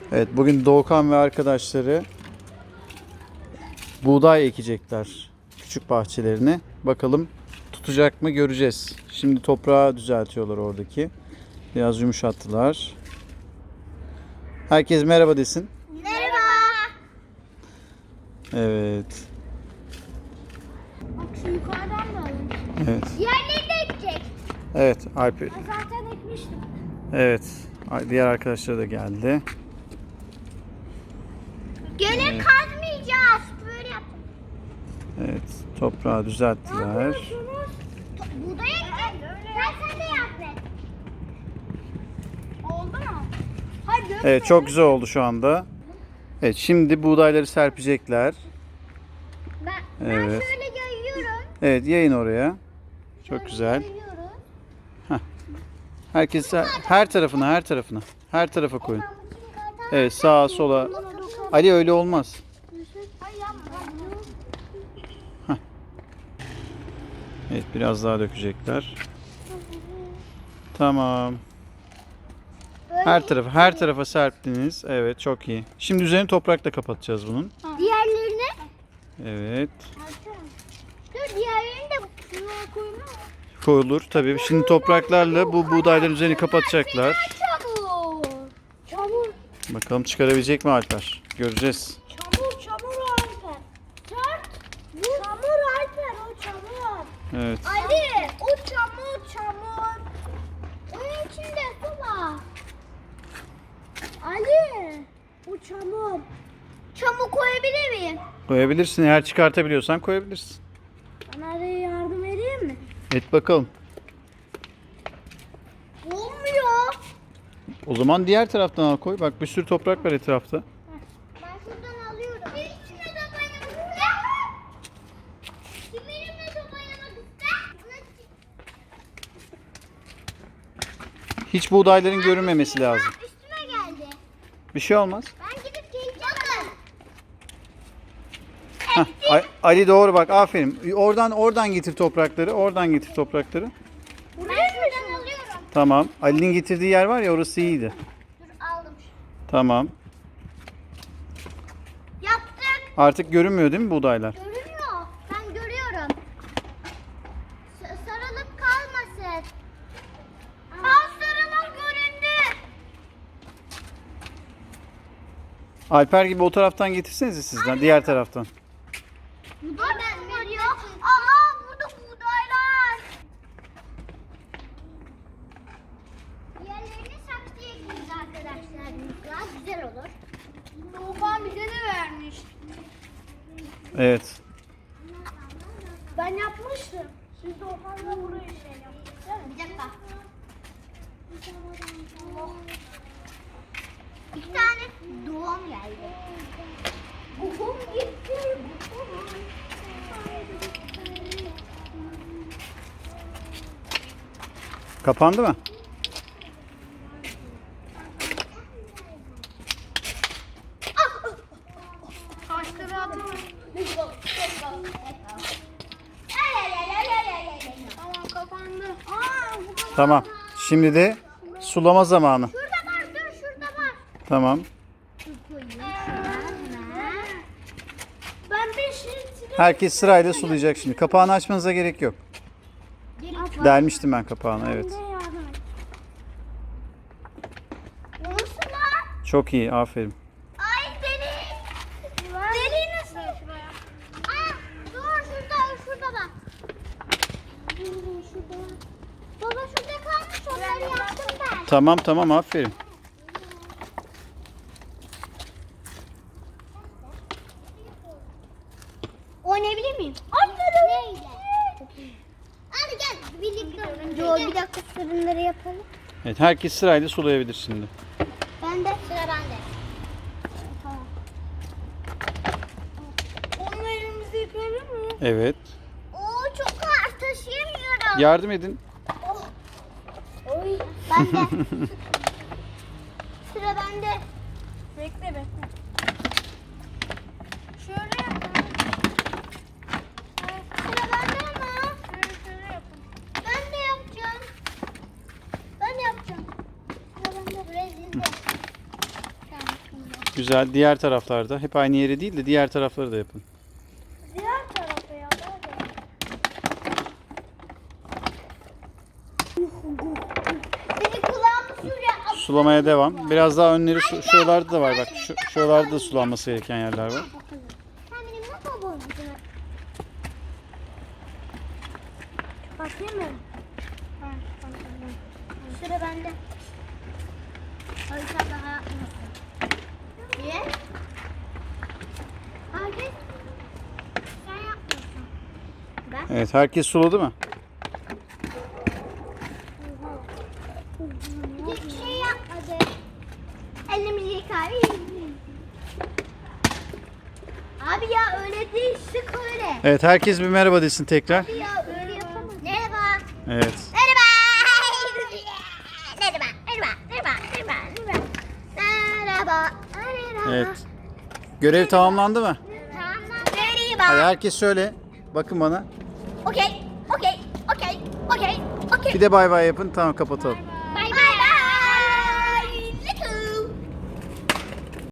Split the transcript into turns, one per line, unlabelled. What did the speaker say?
Evet, bugün Doğukan ve arkadaşları buğday ekecekler küçük bahçelerine. Bakalım tutacak mı göreceğiz. Şimdi toprağı düzeltiyorlar oradaki. Biraz yumuşattılar. Herkes merhaba desin.
Merhaba.
Evet.
Bak şu yukarıdan da alın.
Evet.
Diğerleri de ekecek.
Evet, Alper.
Ben zaten ekmiştim.
Evet. Diğer arkadaşlar da geldi.
Gene kazmayacağız. Böyle yapalım.
Evet, toprağı düzelttiler.
Buğday ekecek. Sen de yap be. Oldu mu? Hadi.
Evet, çok güzel oldu şu anda. Evet, şimdi buğdayları serpecekler.
Ben
Evet.
şöyle yayıyorum.
Evet, yayın oraya. Çok
Şöyle
güzel.
yayıyorum.
Herkes her tarafına. Her tarafa koyun.
Ben bu yukarıdan-
Evet, sağa sola.
Buna dokun.
Ali öyle olmaz.
Ay yapma.
Evet, biraz daha dökecekler. Tamam. Her tarafa serptiniz. Evet, çok iyi. Şimdi üzerini toprakla kapatacağız bunun.
Diğerlerini?
Evet.
Dur diğerlerini de şuraya koyma.
Koyulur tabii. Şimdi topraklarla bu buğdayların üzerini kapatacaklar.
Çamur. Çamur.
Bakalım çıkarabilecek mi Alper? Göreceğiz.
Çamur Alper. Tört. Çamur Alper o çamur.
Evet.
Ali o çamur. Onun içinde su var. Ali o çamur. Çamur koyabilir miyim?
Koyabilirsin. Eğer çıkartabiliyorsan koyabilirsin.
Bana araya yardım edeyim mi?
Et bakalım.
Olmuyor.
O zaman diğer taraftan al koy. Bak bir sürü toprak var etrafta.
Ben şuradan alıyorum. Bir içine top oynamak ister. Kim benimle top oynamak ister?
Hiç buğdayların görünmemesi lazım.
Üstüme geldi.
Bir şey olmaz.
Ben gidip geleceğim. Bakın.
Hah, Ali doğru bak, aferin. Oradan getir toprakları. Oradan getir toprakları.
Buraya şuradan alıyorum.
Tamam. Ali'nin getirdiği yer var ya, orası iyiydi.
Dur aldım.
Tamam.
Yaptık.
Artık görünmüyor değil mi buğdaylar?
Görünüyor. Ben görüyorum. Sarılıp kalmasın. Sarılıp göründü.
Alper gibi o taraftan getirsenize sizden. Diğer taraftan.
Bu da ben görüyor. Aha burada buğdaylar. Diğerlerini saksıya ekleyeceğiz arkadaşlar. Daha güzel olur. Doğukan bize de vermiş.
Evet.
Ben yapmıştım. Siz Doğukan'la burayı şey yaptınız değil mi? Bir dakika. Oh. İki tane doğum geldi. Doğum gitti.
Kapandı mı?
Taşları atamayın. Tamam kapandı. Bu kadar.
Tamam. Şimdi de sulama zamanı.
Şurada var dur şurada var.
Tamam.
Ben 5 litre.
Herkes sırayla sulayacak şimdi. Kapağını açmanıza gerek yok. Delmiştim ben kapağını, evet.
Nasıl lan?
Çok iyi, aferin.
Ay deli. Deli nasıl? Aa, dur şurada bak. Şurada. Baba şurada kalmış onları yaptım ben.
Tamam, aferin.
Oynayabilir miyim? Aferin. Neydi? Hadi gel birlikte oynayalım. Dur bir dakika fırınları yapalım.
Evet, herkes sırayla sulayabilir şimdi.
Ben de sıra bende. Tamam. Onu elimizde yıkayabilir miyim?
Evet.
Oo çok ağır taşıyamıyorum.
Yardım edin.
Oy. Ben de. Sıra bende. Bekle. Şöyle yapalım. Sıra bende ama. Şöyle yapın. Ben de yapacağım. Sıra bende. Buraya dizdim. Tamam.
Güzel. Diğer taraflarda. Hep aynı yere değil de diğer tarafları da yapın.
Diğer tarafa ya. Senin kulağın şuraya.
Sulamaya devam. Biraz daha önleri şuralarda da var bak. Şuralarda da sulanması gereken yerler var.
Sen benim nasıl bozdun? Bakayım mı? Sıra bende. Harika daha yapmasın. Niye? Herkes sen yapmasın. Ben?
Evet, herkes suladı mı?
Hiçbir şey yapmadı. Elimizi yıkar. Abi ya öyle değil, sık öyle.
Evet, herkes bir merhaba desin tekrar.
Abi ya öyle yapamaz. Merhaba.
Evet.
Merhaba. Merhaba. Merhaba. Merhaba. Merhaba. Merhaba. Merhaba.
Evet. Görev tamamlandı mı?
Tamam.
Hadi
Merhaba.
herkes söyle. Bakın bana.
Okey. Okey. Okey. Okey. Okey.
Bir de bay bay yapın. Tamam, kapatalım.